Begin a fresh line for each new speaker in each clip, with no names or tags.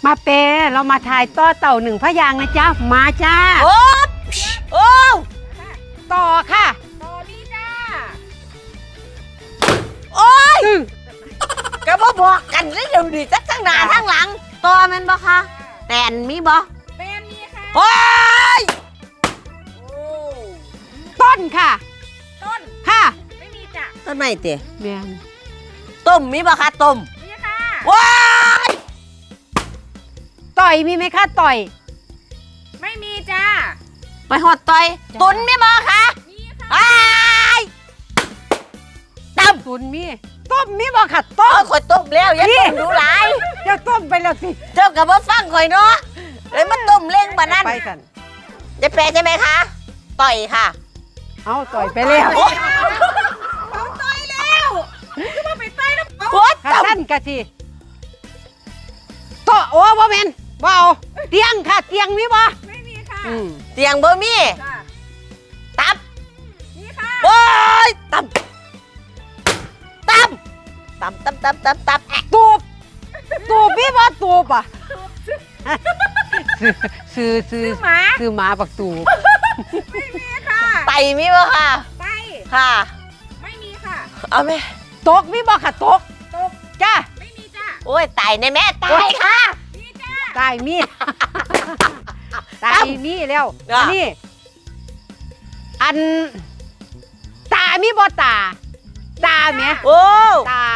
มาเปเรามาถ่ายต่อเต่าหนึ่งพยางนะจ๊ะมาจ้า
โอ้โอ้
ต่อค่ะ
ต่อนี่จ้า
โอ้ยก็บ่บอกกันเลยเดี๋ยวนี้ทั้งหน้าทั้งหลังต่อแม่นบ่คะแตนมีบ่
เป็นมีค่ะ
โอ้ย
ต้นค่ะ
ต้น
ค่ะ
ไม่มีจ้ะ
ต้นไม้เตะ
แม่น
ต้มมีบ่คะต้ม
มีค่ะ
ว้าย
ต่อยมีไหมคะต่อย
ไม่มีจ้า
ไปหอดต่อยตุนมีบ่คะ
มีค่ะ
อ้ายต้ม
ตุนมีต้มมีบ่ค่ะต้ม
ข่อยต้มแล้วอย่าต้มดูหลาย
เจ้าต้มไปแล้วสิ
เจ้ากับว่าฟังข่อยเนาะเลยมาต้มเล้งบะนั่น
ไปกัน
จะแปลใช่ไหมคะต่อยค่ะ
เอาต่อยไปแล้ว
เอาต่อยแล้วคือว่าไปต่อยแล้ว
โอ้ย
ค่ะท่านกะสิโตโอ้บ่แม่นบ่เอาเตียงค่ะเตียงมีบ่
ไม่มีค่ะ
เตียงบ่มีตับ
มีค่ะ
โอ้ยตับตับตับตับตับตับตับ
ตูบตูบมีบ่ตูบอ่ะซื้อ
หมา
ซื้อหมาปักตูบ
ไม่มีค่ะ
ไตมีบ่ค่ะ
ไต
ค่ะ
ไม่มีค่ะ
เอาไหม
ตกมีบ่ค่ะตกจ้า
ไม่มีจ้า
โอ้ยไตในแม่ไตค่ะ
มีจ้า
ตายมีตายมีแล้วนี่อันตามีบ่ตาแม่
โอ้
ตา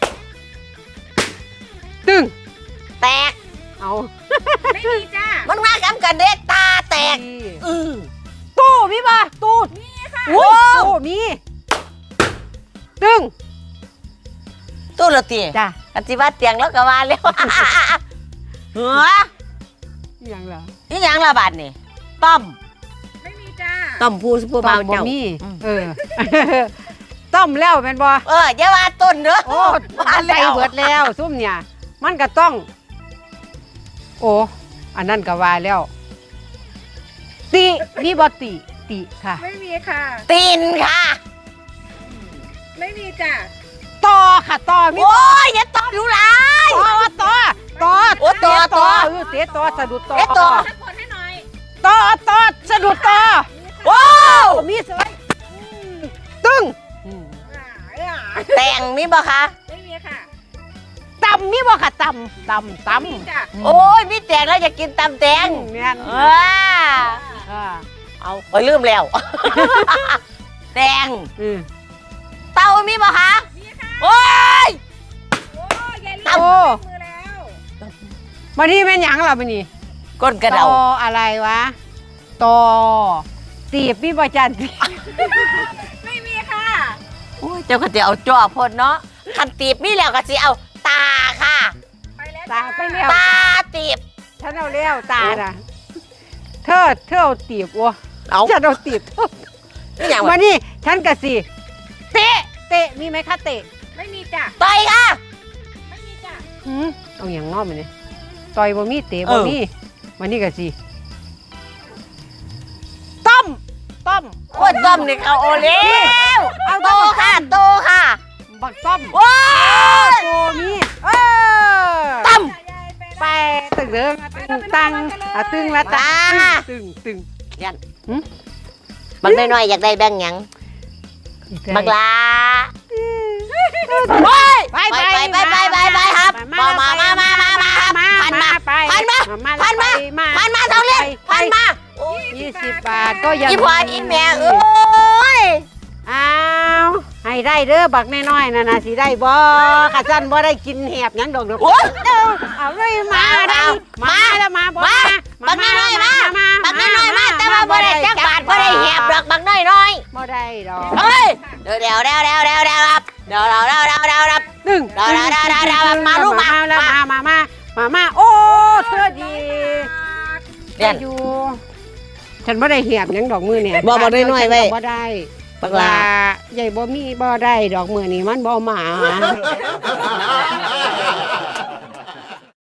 ตึง
แตก
เอา
ไม่มีจ้า
มันว่ากำกันเด็กตาแตก
ตู้มีบ่ตู้
มีค่ะ
โอ้ตู้มีตึง
ตู้ละตี
จ้ะ
อันที่ว่าเตียงแล้วก็ว่าแล้วหัว
ยังล่ะ
นี่ยังละบาดนี่ต้ม
ไม่มีจ้า
ต้มผู้เบาเจ้า
มีต้มแล้วแม่นบ่
อย่าว่าต้นเด้อ
โอ้มาใส่เบิดแล้วซุ่มเนี่ยมันก็ต้องโอ้อันนั้นก็ว่าแล้วติมีบ่ติค่ะ
ไม่มีค่ะ
ตีนค่ะ
ไม่มีจ้า
ต่อค่ะต่อมี
โอ้ยอย่าต่อดูหลาย
ต่อ
โอ้ต่อ
เตะต่อสะดุดต่อ
ต่อ
สักคนให้หน่อย
ต่อสะดุดต่อ
ว้าว
มีสวยตึ้ง
แตงมีบ่คะ
ไม่มีค่ะ
ตำมีบ่ค่ะตำ
โอ้ยมีแตงแล้วอยากกินตำแตง
เนี่ย
เอาไปลืมแล้วแตงเต้ามีบ่คะ
มีค่ะ
โอ้ย
เต้ามือแล้ว
มานี่แม่นหยังล่ะมานี่
ก้นกระเดา
อะไรวะต่อตีบมีบ่จัน
ไม่มีค่ะ
โอ้ยเจ้าก็จะเอาจ่อพดเนาะคันตีบมีแล้วก็สิเอาตาค่ะ
ตาไปแล้ว
ตาตีบ
ฉันเอาแล้วตาน่ะเธอเอาตีบวะฉันเอาตีบมานี่ฉันกะสิเตะมีไหมคะเตะ
ไม่มีจ้ะ
ต่อยค่ะ
ไม่มีจ้ะ
เอาอย่างนอกมาเนี่ยต่อยบ่มีเตะบ่มีมานี่กะสิต้ม
โอ้ยต้มนี่เขาโอเลี้ยวเอาโตค่ะ
บักต้ม
ว้า
โตมี
ต้ม
ไปตึงเด้อตึงละตาตึง
ยันบักน้อยๆอยากได้แบงค์ยังบักลาไปครับมาเท่าเล่นพันมา
20 บาทก็ยัง
อีพออีแม่เอ้ย
ให้ได้เด้อบักน้อยๆน่ะสิได้บ่ข้าซั่นบ่ได้กินแหบหยังดอกเอาเลยมาแล้วมา
บักน้อยมาแต่ว่าบ่ได้จักบาทบ่ได้แหบดอกบักน้อย
บ่ได้ดอก
เฮ้ยเดี๋ยวครับรับ
ตึง
มาลูก
มาโอ้เธอดีอยู่ฉันบ่ได้แหบหยังดอกมือเนี่ย
บ่ได้น้อยไว้
บ่ได้บักลาใหญ่บ่มีบ่ได้ดอกมือนี่มันบ่มา